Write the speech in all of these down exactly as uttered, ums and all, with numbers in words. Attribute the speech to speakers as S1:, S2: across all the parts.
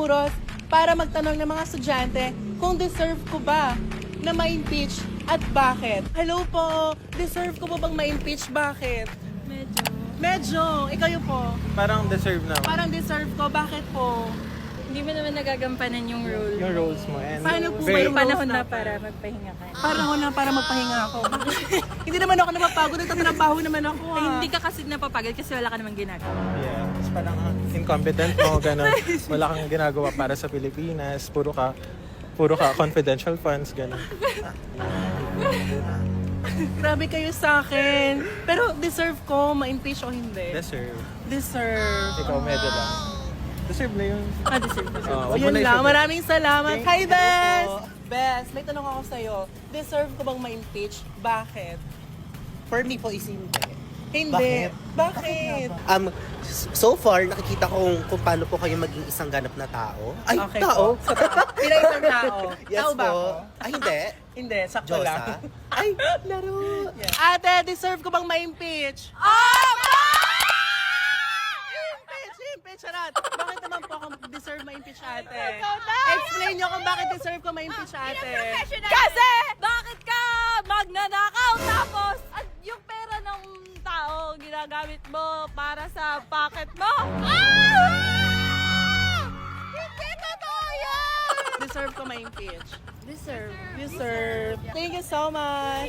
S1: Intramuros para magtanong ng mga estudyante kung deserve ko ba na ma-impeach at bakit. Hello po, deserve ko po bang ma-impeach? Bakit?
S2: Medyo.
S1: Medyo, ikaw yun po.
S3: Parang deserve na.
S1: Parang deserve ko, bakit po?
S2: Hindi mo naman nagagampanan yung role.
S3: Yung roles mo. And
S1: Paano po ba
S3: very-
S1: yung
S2: Panahon
S1: roles
S2: na
S1: natin?
S2: para magpahinga ka.
S1: Parang ako na para magpahinga ako. Hindi naman ako napapagod, nagtatrabaho naman ako.
S2: Ay,
S1: Ah.
S2: hindi ka kasi napapagod kasi wala ka namang ginagawa.
S3: Yeah. Tapos parang ah, incompetent mo, gano'n. Wala kang ginagawa para sa Pilipinas. Puro ka, puro ka confidential funds, gano'n.
S1: Grabe kayo sa akin. Pero deserve ko ma-impeach o hindi?
S3: Deserve.
S1: Deserve.
S3: Ikaw medyo lang. Deserve na yun.
S2: Ah, deserve ko.
S3: Oh,
S1: O
S3: wag mo
S1: yun
S3: na
S1: lang,
S3: isuot.
S1: maraming salamat.
S3: Thank
S1: Hi,
S3: you
S1: Bes!
S3: po.
S1: Bes, may tanong ako sa'yo. Deserve ko bang ma-impeach? Bakit?
S4: For me po is hindi.
S1: Hindi.
S4: Bakit?
S1: Bakit?
S4: Um, so far, nakikita ko kung, kung paano po kayo maging isang ganap na tao. Ay,
S1: Okay
S4: tao?
S1: po. Pila isang tao.
S4: Yes
S1: tao ba
S4: po.
S1: ako?
S4: Ay, hindi.
S1: Hindi, sakto lang.
S4: Diyosa? Ay, laro.
S1: Ate, deserve ko bang ma-impeach? I-impeach, i-impeach, charot. Bakit naman po ako deserve ma-impeach, ate? Explain nyo kung bakit deserve ko ma-impeach, ate.
S2: Kasi, bakit ka magnanakaw tapos at yung pera ng tao ginagamit mo para sa pocket mo? Hindi totoo yan!
S1: Deserve ko ma-impeach.
S2: Deserve.
S1: Deserve. Thank you so much.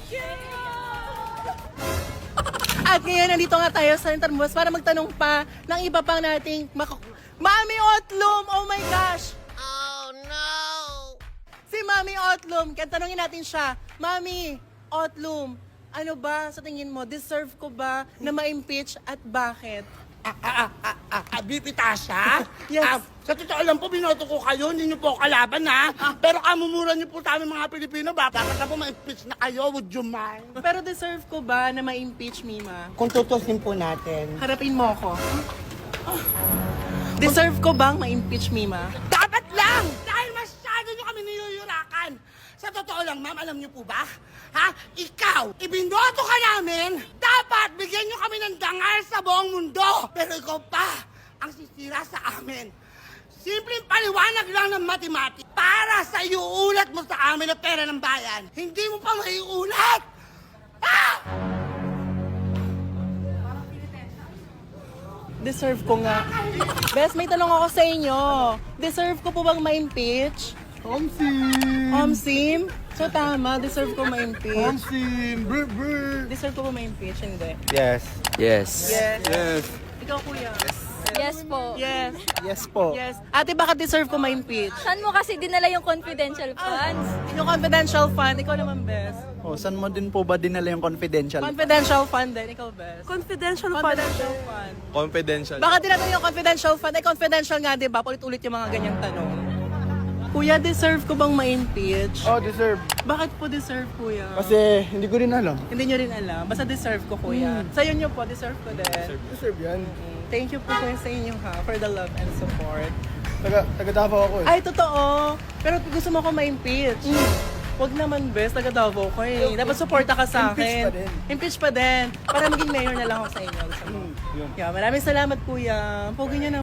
S1: At ngayon, nandito nga tayo sa Intramuros para magtanong pa ng iba pang nating mak- Mami Otlum! Oh my gosh! Oh no! Si Mami Otlum, kaya tanongin natin siya, Mami Otlum, ano ba sa tingin mo, deserve ko ba na ma-impeach at bakit?
S5: Ah, ah, Bipitasha?
S1: Yes.
S5: Ah, sa totoo lang po, binoto ko kayo, hindi niyo po ako kalaban, ha? Pero kamumura niyo po sa amin mga Pilipino, ba? Dapat na po ma-impeach na kayo, would you mind?
S1: Pero deserve ko ba na ma-impeach, Mima?
S5: Kung tutusin po natin.
S1: Harapin mo ako. Deserve ko bang ma-impeach, Mima?
S5: Dapat lang! Dahil masyado niyo kami niyuyurakan. Sa totoo lang, ma'am, alam niyo po ba? Ha? Ikaw, ibinoto ka namin, dapat bigyan niyo kami ng dangal sa buong mundo. Pero ikaw pa, ang sisira sa amin. Simpleng paliwanag lang ng matematik para sa iuulat mo sa amin na pera ng bayan. Hindi mo pa maiulat! Ha?
S1: Deserve ko nga. Bes, may tanong ako sa inyo. Deserve ko po bang ma-impeach?
S3: Omsim!
S1: Omsim? So tama, deserve ko ma-impeach.
S3: Omsim! Brr, brr.
S1: Deserve ko ba ma-impeach? Hindi.
S3: Yes.
S6: Yes.
S1: Yes.
S3: Yes.
S1: Ikaw, kuya.
S2: Yes po.
S1: Yes.
S3: Yes po.
S1: Yes. Ate, bakit deserve ko ma-impeach?
S2: Saan mo kasi dinala yung confidential funds?
S1: Yung confidential fund, ikaw naman, Bes.
S6: Oh, saan mo din po ba dinala yung confidential?
S1: Confidential fund din, ikaw, Bes.
S7: Confidential fund.
S1: Confidential fund.
S3: Confidential.
S1: Bakit tinatanong yung confidential fund? Eh, confidential nga, di ba? Ulit-ulit yung mga ganyang tanong. Kuya, deserve ko bang ma-impeach?
S6: Oh, deserve.
S1: Bakit po deserve, kuya?
S6: Kasi hindi ko rin alam.
S1: Hindi nyo rin alam. Basta deserve ko, kuya. Sa'yo nyo po, deserve ko din.
S6: Deserve yan.
S1: Thank you po kuya sa inyo ha, for the love and support.
S6: Taga, taga Davao ako eh.
S1: Ay, totoo. Pero gusto mo ko ma-impeach. Huwag naman, best. Taga Davao ko eh. Dapat supporta ka sa
S6: Impeach
S1: akin.
S6: pa din.
S1: Impeach pa din. Para maging mayor na lang ako sa inyo. Yeah, maraming salamat, kuya. Pogi niyo na.